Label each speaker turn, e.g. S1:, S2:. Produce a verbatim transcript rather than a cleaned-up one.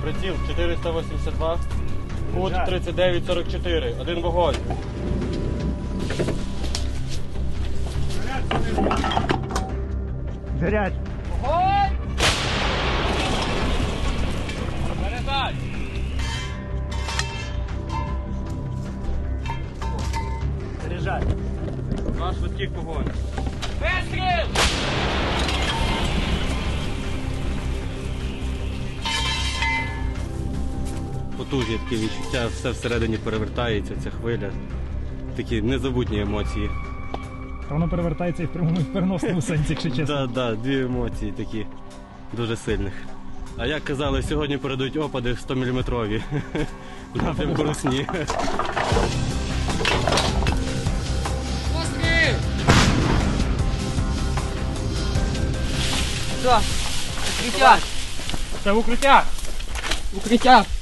S1: Приціл чотириста вісімдесят два, кут тридцять дев'ять сорок чотири, один вогонь.
S2: Горять!
S3: Вогонь! Заряджай!
S2: Заряджай!
S1: Два швидких вогонь.
S3: Вистріл!
S1: Потужні такі відчуття, все всередині перевертається, ця хвиля. Такі незабутні емоції.
S2: Та воно перевертається і в прямому і в переносному сенсі, якщо чесно.
S1: Так, да, да, дві емоції такі дуже сильних. А як казали, сьогодні передають опади сто міліметрові в напрямку Русні.
S3: Постріл! Все, укриття!
S2: Це в укриття!
S3: Укриття!